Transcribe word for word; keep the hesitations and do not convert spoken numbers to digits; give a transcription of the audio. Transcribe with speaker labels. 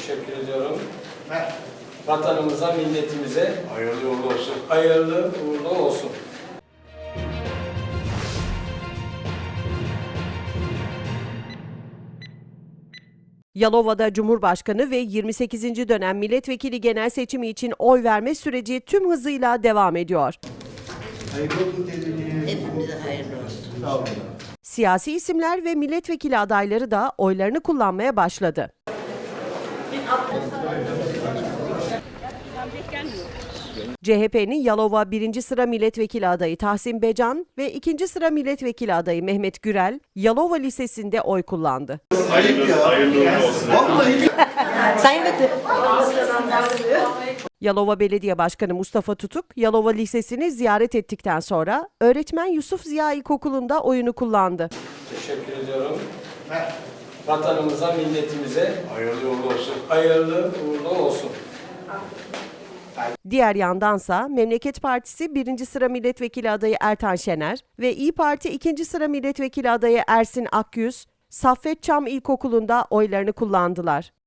Speaker 1: Teşekkür ediyorum. Vatanımıza, milletimize
Speaker 2: Hayırlı uğurlu olsun.
Speaker 1: hayırlı uğurlu olsun.
Speaker 3: Yalova'da Cumhurbaşkanı ve yirmi sekizinci dönem milletvekili genel seçimi için oy verme süreci tüm hızıyla devam ediyor.
Speaker 4: Hayırlı olsun teyzeciğim.
Speaker 5: Hepimize hayırlı olsun.
Speaker 4: Sağ olun.
Speaker 3: Siyasi isimler ve milletvekili adayları da oylarını kullanmaya başladı. C H P'nin Yalova birinci sıra milletvekili adayı Tahsin Becan ve ikinci sıra milletvekili adayı Mehmet Gürel, Yalova Lisesi'nde oy kullandı.
Speaker 4: Ayıp ya.
Speaker 2: Hayırlı uğurlu olsun.
Speaker 4: Vallahi
Speaker 5: Sayın Vekil.
Speaker 3: Yalova Belediye Başkanı Mustafa Tutuk, Yalova Lisesi'ni ziyaret ettikten sonra öğretmen Yusuf Ziya İlkokulu'nda oyunu kullandı.
Speaker 1: Teşekkür ediyorum. Vatanımıza, milletimize
Speaker 2: Hayırlı uğurlu olsun.
Speaker 1: hayırlı uğurlu olsun.
Speaker 3: Diğer yandansa Memleket Partisi birinci sıra milletvekili adayı Ertan Şener ve İYİ Parti ikinci sıra milletvekili adayı Ersin Akyüz, Saffet Çam İlkokulu'nda oylarını kullandılar.